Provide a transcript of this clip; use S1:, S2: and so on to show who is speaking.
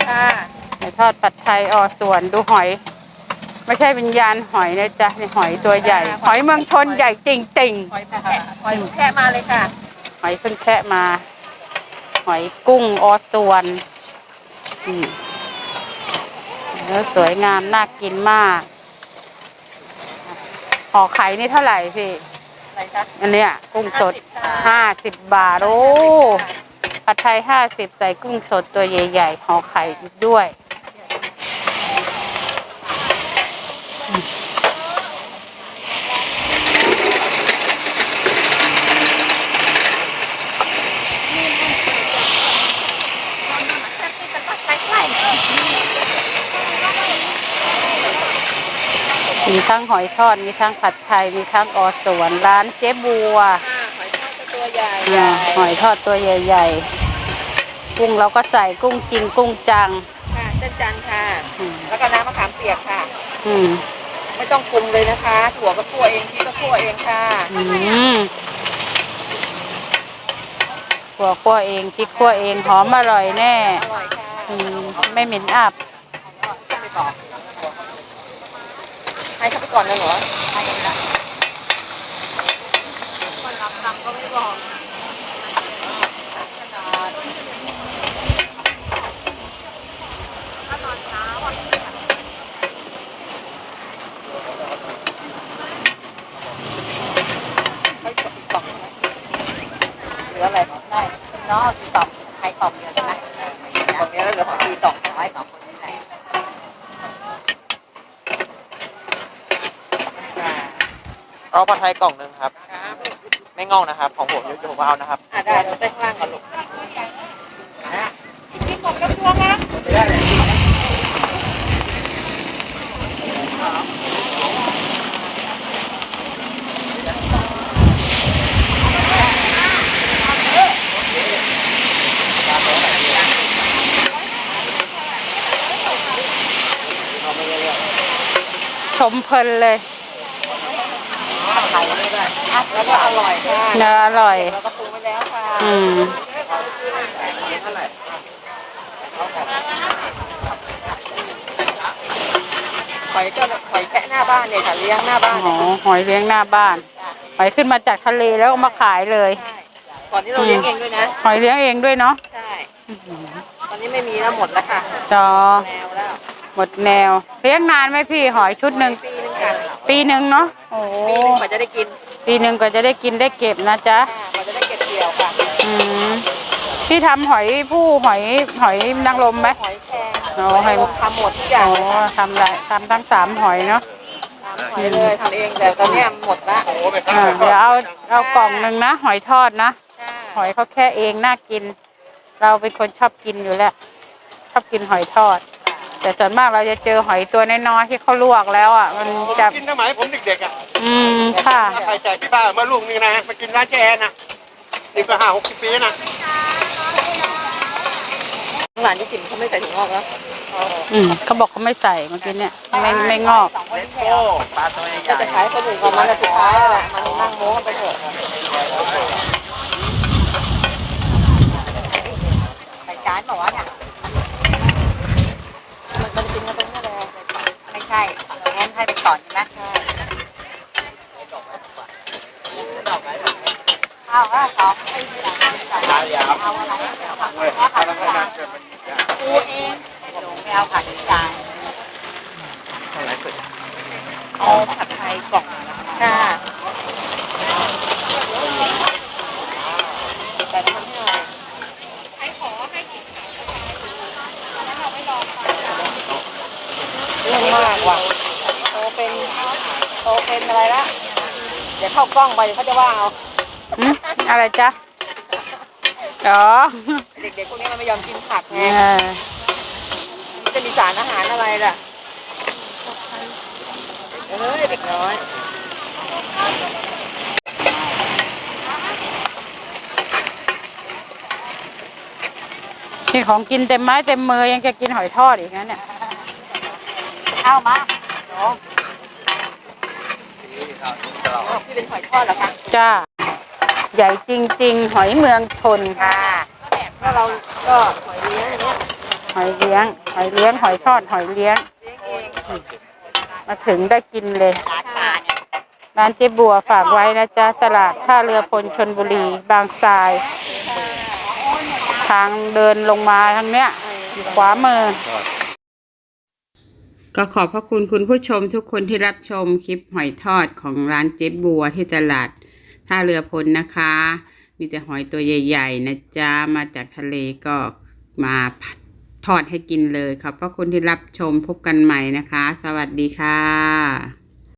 S1: ค่ะ
S2: หอยทอดผัดไทยส่วนดูหอยไม่ใช่วิญญาณหอยนะจ๊ะนี่หอยตัวใหญ่หอยเมืองชนใหญ่จริงๆ
S1: หอยแค่มาเลยค่ะ
S2: หอยเพิ่งแคะมาหอยกุ้งส่วนเนื้อสวยงามน่ากินมากห่อไข่นี่เท่าไหร่พี่
S1: อะไรคะ
S2: อันเนี้ยกุ้งสด50 บาทโอ้ผัดไทย50ใส่กุ้งสดตัวใหญ่ๆห่อไข่อีกด้วยมีทั้งหอยทอดมีทั้งผัดไทยมีทั้งส่วนร้านเจ๊บัว
S1: หอยทอดตัวใหญ่
S2: หอยทอดตัวใหญ่ๆกุ้งเราก็ใส่กุ้งจริงกุ้งจัง
S1: ค่ะเส้นจันทร์ค่ะแล้วก็น้ำมะขามเปียกค่ะไม่ต้องปรุงเลยนะคะถั่วก็คั่วเองที่ก็คั่วเองค่ะ
S2: ถั่วคั่วเองพริกคั่วเองหอมอร่อยแน่
S1: อร่อยค่ะ
S2: ไม่เหม็นอับ
S1: ให้เขาไปก่อนเลยเหรอให้ละคนรับทำก็ไม่บอกถ้าตอนเช้าไม่กดอีกกล่องหรืออะไรได้เนาะกี่กล่องใครกล่องเดียวใช่ไหมกล่องนี้แล้วเหลือของกี่กล่องไว้2 คนนี้ไหน
S3: เอาผัดไทยกล่องหนึ่งครับไม่งอกนะครับของผมเดี๋ยวผมเอานะครับ
S1: ได้เราไปข้างล่างก่อนลูกกินหมดกับตัวนะ
S2: ชมเพลินเลย
S1: แล้วก็อร่อยค่ะ
S2: เนื้ออร่อย
S1: เราก็ปรุงไว้แล้วค่ะหอยแค่หน้าบ้านเนี่ยค่ะเลี้ยงหน้าบ้าน
S2: หอยเลี้ยงหน้าบ้านหอยขึ้นมาจากทะเลแล้วก็มาขายเลย
S1: ก่อนนี้เราเลี้ยงเองด้วยนะ
S2: หอยเลี้ยงเองด้วยเนาะ
S1: ใช่ตอนนี้ไม่มีแล้วหมดแล้วค่ะ
S2: จอ
S1: แนวแล้ว
S2: หมดแนวเลี้ยงนานไหมพี่หอยชุดหนึ่งปีหนึ่งเนาะโอ้
S1: ปีหนึ่งกว่าจะได้กิน
S2: ปีหนึ่งก็จะได้กินได้เก็บนะจ๊ะ
S1: กว่าจะได้เก็บเกี่ยวค่ะ
S2: ที่ทำหอยนางรมไหม
S1: หอยแครงทำหมดทุกอย่าง
S2: ทำทั้ง3 หอยเนาะ
S1: หอยเลยทำเองแต่ตอนนี้หมดละ
S2: เดี๋ยวเอากล่องหนึ่งนะหอยทอดนะหอยเขาแค่เองน่ากินเราเป็นคนชอบกินอยู่แล้วชอบกินหอยทอดแต่ส่วนมากเราจะเจอหอยตัวน้อยๆที่เขาลวกแล้วมันจะ
S3: กินสมัยผมเด็กๆ
S2: ค่ะ
S3: ไปจ่ายที่บ้านเมื่อลูกนึงนะมากินร้านเจ๊แอนนี่ก็50 ปีนะ
S1: หลานที่จิ๋มเขาไม่ใส่ถุงงอกแล้ว
S2: เขาบอกเขาไม่ใส่เมื่อกี้เนี่ยไม่งอก
S3: โอ้ปลาตัวใหญ่
S1: จะขายคนอื่นก่อนมันสุดท้ายแหละมันนั่งโม้ไปเถอะไปจานบอกว่าเนี่ยมันกินกันตรงนี้เลยไม่ใช่เราเล่นให้ไปก่อนใช่ไหมเอาว่า2ให้ทีหลังเอาอะไรปูเองหนูไม่เอาผัดจานเอาผัดไทยกล่องค่ะแต่ทำให้หน่อยให้ขอให้กินแล้วเราไม่รอเรื่องมากว่ะโตเป็นอะไรละเดี๋ยวเข้ากล้องไปเดี๋ยวเขาจะว่าเอา
S2: อะไรจ๊ะ
S1: เด็กๆพวกนี้มันไม่ยอมกินผักไงมันจะมีสารอาหารอะไรล่ะเด็กน้อย
S2: นี่ของกินเต็มไม้เต็มมือยังจะกินหอยทอดอีกนะเนี่ย
S1: เอามาพี่เป็นหอยทอดเหรอคะ
S2: จ้าใหญ่จริงๆหอยเมืองชน
S1: ค่ะแล้วเราก็หอยเลี้ยงอย่างเงี้ย
S2: หอยเลี้ยงหอยทอดหอยเลี้ยงมาถึงได้กินเลยร้านเจ๊บัวฝากไว้นะจ๊ะตลาดท่าเรือพลชลบุรีบางทรายทางเดินลงมาทางเนี้ยอยู่ขวามือก็ขอบพระคุณคุณผู้ชมทุกคนที่รับชมคลิปหอยทอดของร้านเจ๊บัวที่ตลาดท่าเรือพลนะคะมีแต่หอยตัวใหญ่ๆนะจ๊ะมาจากทะเลก็มาทอดให้กินเลยขอบพระคุณที่รับชมพบกันใหม่นะคะสวัสดีค่ะ